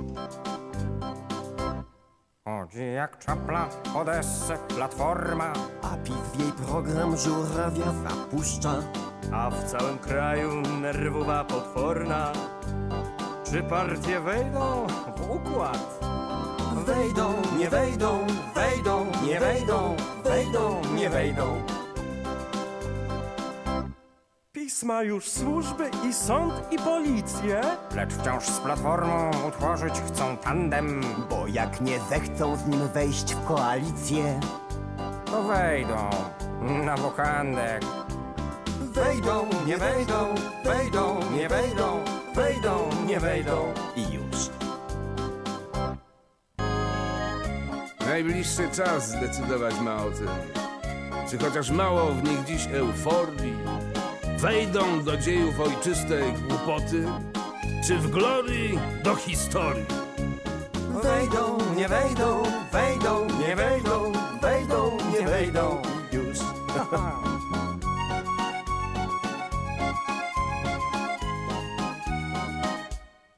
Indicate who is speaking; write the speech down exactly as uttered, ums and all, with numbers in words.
Speaker 1: Chodzi jak czapla, Odessę platforma,
Speaker 2: A piw w jej program żurawia zapuszcza.
Speaker 3: A w całym kraju nerwowa potworna. Czy partie wejdą w układ?
Speaker 2: Wejdą, nie wejdą, wejdą, nie wejdą, wejdą, nie wejdą.
Speaker 3: PiS ma już służby i sąd i policję.
Speaker 1: lecz wciąż z platformą utworzyć chcą tandem.
Speaker 2: Bo jak nie zechcą z nim wejść w koalicję,
Speaker 1: To wejdą na wokandek.
Speaker 2: wejdą, nie wejdą, wejdą, nie wejdą, wejdą, nie wejdą. I już.
Speaker 4: Najbliższy czas zdecydować ma o tym. Czy chociaż mało w nich dziś euforii wejdą do dziejów ojczystej głupoty? Czy w glorii do historii?
Speaker 2: Wejdą, nie wejdą, wejdą, nie wejdą, wejdą, nie wejdą. Już.